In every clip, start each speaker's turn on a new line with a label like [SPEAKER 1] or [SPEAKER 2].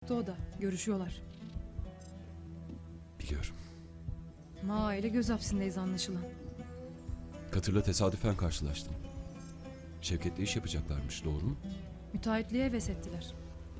[SPEAKER 1] Mutfakta o da. Görüşüyorlar.
[SPEAKER 2] Biliyorum.
[SPEAKER 1] Ma ile göz hapsindeyiz anlaşılan.
[SPEAKER 2] Katır'la tesadüfen karşılaştım. Şevket'le iş yapacaklarmış, doğru mu?
[SPEAKER 1] Müteahhitliğe heves ettiler.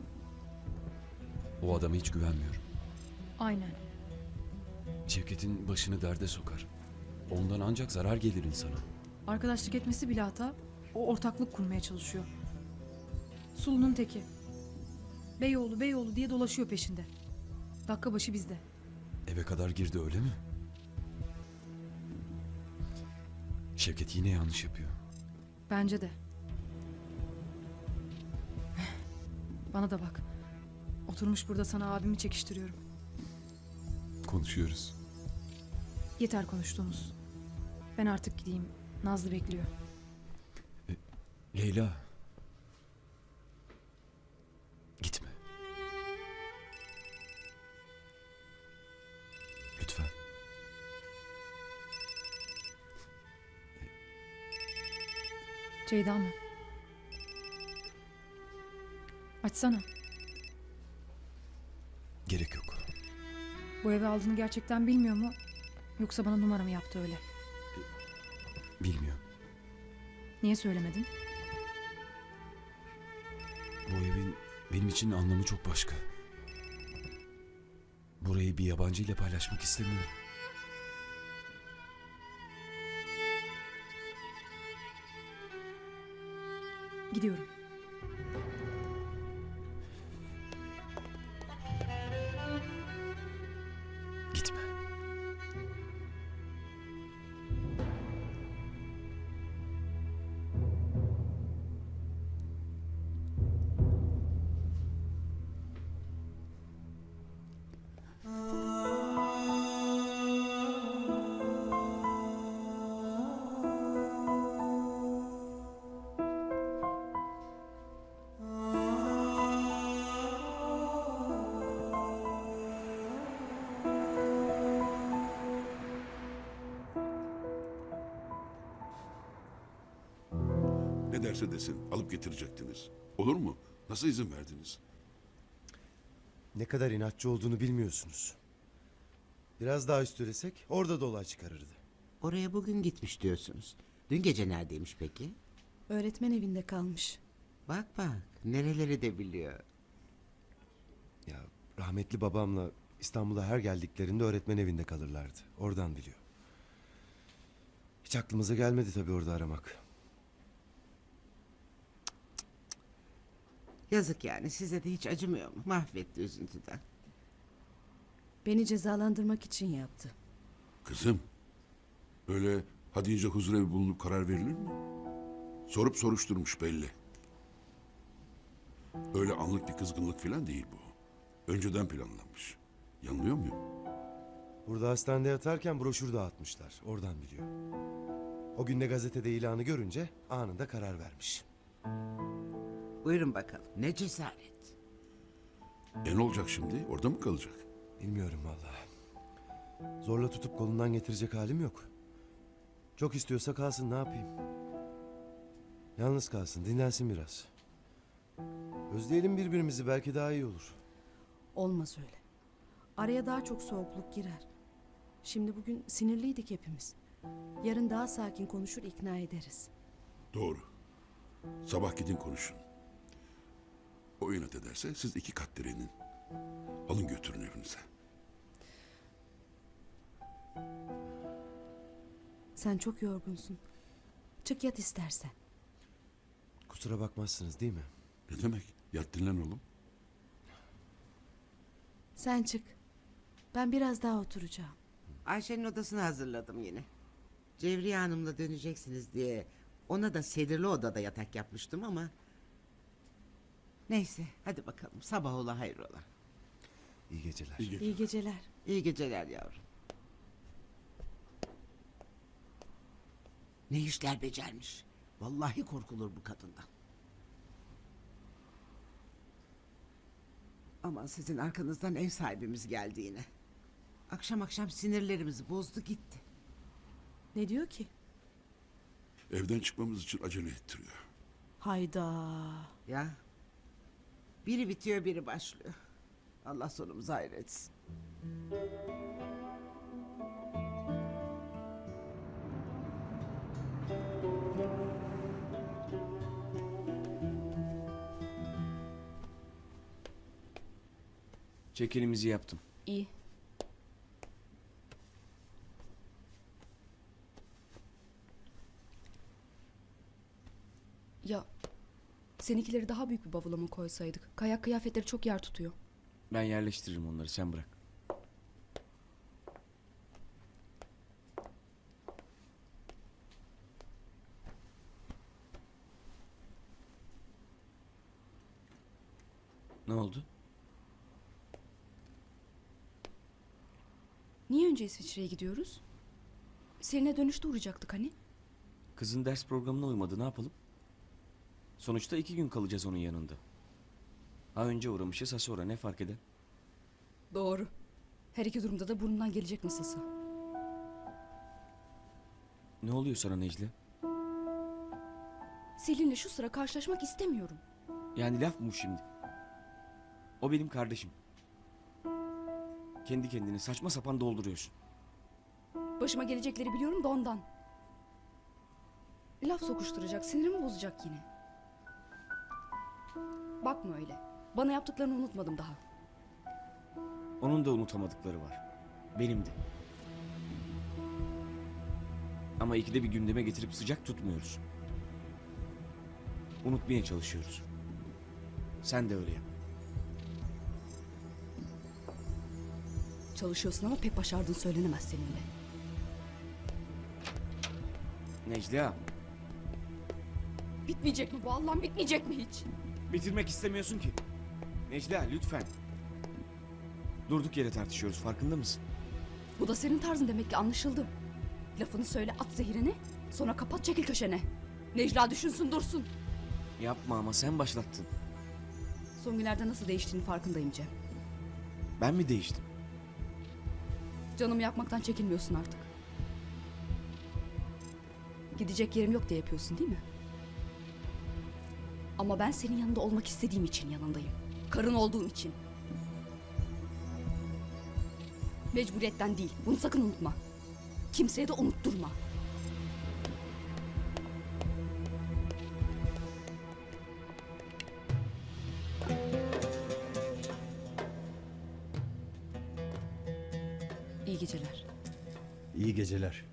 [SPEAKER 2] O adama hiç güvenmiyorum.
[SPEAKER 1] Aynen.
[SPEAKER 2] Şevket'in başını derde sokar. Ondan ancak zarar gelir insana.
[SPEAKER 1] Arkadaşlık etmesi bile hata. O ortaklık kurmaya çalışıyor. Sulu'nun teki. Beyoğlu, Beyoğlu diye dolaşıyor peşinde. Dakika başı bizde.
[SPEAKER 2] Eve kadar girdi, öyle mi? Şevket yine yanlış yapıyor.
[SPEAKER 1] Bence de. Bana da bak. Oturmuş burada sana abimi çekiştiriyorum.
[SPEAKER 2] Konuşuyoruz.
[SPEAKER 1] Yeter konuştuğumuz. Ben artık gideyim. Nazlı bekliyor.
[SPEAKER 2] Leyla. Gitme. Lütfen.
[SPEAKER 1] Ceyda mı? Açsana.
[SPEAKER 2] Gerek yok.
[SPEAKER 1] Bu evi aldığını gerçekten bilmiyor mu? Yoksa bana numara mı yaptı öyle?
[SPEAKER 2] Bilmiyor.
[SPEAKER 1] Niye söylemedin?
[SPEAKER 2] Bu evin benim için anlamı çok başka. Burayı bir yabancıyla paylaşmak istemiyorum.
[SPEAKER 1] Gidiyorum.
[SPEAKER 2] Gitme.
[SPEAKER 3] Ne derse desin alıp getirecektiniz. Olur mu? Nasıl izin verdiniz?
[SPEAKER 4] Ne kadar inatçı olduğunu bilmiyorsunuz. Biraz daha üstülesek orada da olay çıkarırdı.
[SPEAKER 5] Oraya bugün gitmiş diyorsunuz. Dün gece neredeymiş peki?
[SPEAKER 6] Öğretmen evinde kalmış.
[SPEAKER 5] Bak bak, nereleri de biliyor.
[SPEAKER 4] Ya rahmetli babamla İstanbul'a her geldiklerinde öğretmen evinde kalırlardı. Oradan biliyor. Hiç aklımıza gelmedi tabii orada aramak.
[SPEAKER 5] Yazık yani, size de hiç acımıyor mu? Mahvetti üzüntüden.
[SPEAKER 6] Beni cezalandırmak için yaptı.
[SPEAKER 3] Kızım, öyle ha deyince huzurevi bulunup karar verilir mi? Sorup soruşturmuş belli. Öyle anlık bir kızgınlık falan değil bu. Önceden planlanmış. Yanılıyor muyum?
[SPEAKER 4] Burada hastanede yatarken broşür dağıtmışlar. Oradan biliyor. O gün de gazetede ilanı görünce anında karar vermiş.
[SPEAKER 5] Buyurun bakalım, ne cesaret.
[SPEAKER 3] Ne olacak şimdi? Orada mı kalacak?
[SPEAKER 4] Bilmiyorum vallahi. Zorla tutup kolundan getirecek halim yok. Çok istiyorsa kalsın, ne yapayım? Yalnız kalsın, dinlensin biraz. Özleyelim birbirimizi, belki daha iyi olur.
[SPEAKER 6] Olmaz öyle. Araya daha çok soğukluk girer. Şimdi bugün sinirliydik hepimiz. Yarın daha sakin konuşur ikna ederiz.
[SPEAKER 3] Doğru. Sabah gidin konuşun. O inat ederse siz 2 kat direnin. Alın götürün evinize.
[SPEAKER 6] Sen çok yorgunsun. Çık yat istersen.
[SPEAKER 4] Kusura bakmazsınız değil mi?
[SPEAKER 3] Ne demek? Yat dinlen oğlum.
[SPEAKER 6] Sen çık. Ben biraz daha oturacağım.
[SPEAKER 5] Ayşe'nin odasını hazırladım yine. Cevriye Hanım'la döneceksiniz diye ona da sedirli odada yatak yapmıştım ama... Neyse, hadi bakalım, sabah ola hayrola.
[SPEAKER 4] İyi geceler.
[SPEAKER 3] İyi geceler.
[SPEAKER 6] İyi geceler.
[SPEAKER 5] İyi geceler yavrum. Ne işler becermiş. Vallahi korkulur bu kadından. Aman sizin arkanızdan ev sahibimiz geldi yine. Akşam akşam sinirlerimizi bozdu gitti.
[SPEAKER 6] Ne diyor ki?
[SPEAKER 3] Evden çıkmamız için acele ettiriyor.
[SPEAKER 6] Hayda.
[SPEAKER 5] Ya. Biri bitiyor biri başlıyor. Allah sonumuzu hayretsin.
[SPEAKER 7] Çekilimizi yaptım.
[SPEAKER 6] İyi. Ya seninkileri daha büyük bir bavula mı koysaydık? Kayak kıyafetleri çok yer tutuyor.
[SPEAKER 7] Ben yerleştiririm onları, sen bırak. Ne oldu?
[SPEAKER 6] Niye önce İsviçre'ye gidiyoruz? Selin'e dönüşte uğrayacaktık hani?
[SPEAKER 7] Kızın ders programına uymadı, ne yapalım? Sonuçta 2 gün kalacağız onun yanında. Ha önce uğramışız, ha sonra, ne fark eder?
[SPEAKER 6] Doğru. Her iki durumda da burnundan gelecek nasılsa.
[SPEAKER 7] Ne oluyor sana Necla?
[SPEAKER 6] Selin'le şu sıra karşılaşmak istemiyorum.
[SPEAKER 7] Yani laf mı bu şimdi? O benim kardeşim. Kendi kendini saçma sapan dolduruyorsun.
[SPEAKER 6] Başıma gelecekleri biliyorum da ondan. Laf sokuşturacak, sinirimi bozacak yine. Bakma öyle. Bana yaptıklarını unutmadım daha.
[SPEAKER 7] Onun da unutamadıkları var. Benim de. Ama ikide bir gündeme getirip sıcak tutmuyoruz. Unutmaya çalışıyoruz. Sen de öyle yap.
[SPEAKER 6] Çalışıyorsun ama pek başardığın söylenemez seninle.
[SPEAKER 7] Necla,
[SPEAKER 6] Bitmeyecek mi bu Allah'ım, bitmeyecek mi hiç?
[SPEAKER 7] bitirmek istemiyorsun ki. Necla, lütfen. Durduk yere tartışıyoruz, farkında mısın?
[SPEAKER 6] Bu da senin tarzın demek ki, anlaşıldı. Lafını söyle, at zehirini, sonra kapat, çekil köşene. Necla düşünsün dursun.
[SPEAKER 7] Yapma ama, sen başlattın.
[SPEAKER 6] Son günlerde nasıl değiştiğini farkındayım Cem.
[SPEAKER 7] Ben mi değiştim?
[SPEAKER 6] Canımı yakmaktan çekinmiyorsun artık. Gidecek yerim yok diye yapıyorsun değil mi? Ama ben senin yanında olmak istediğim için yanındayım. Karın olduğum için. Mecburiyetten değil. Bunu sakın unutma. Kimseye de unutturma. İyi geceler.
[SPEAKER 4] İyi geceler.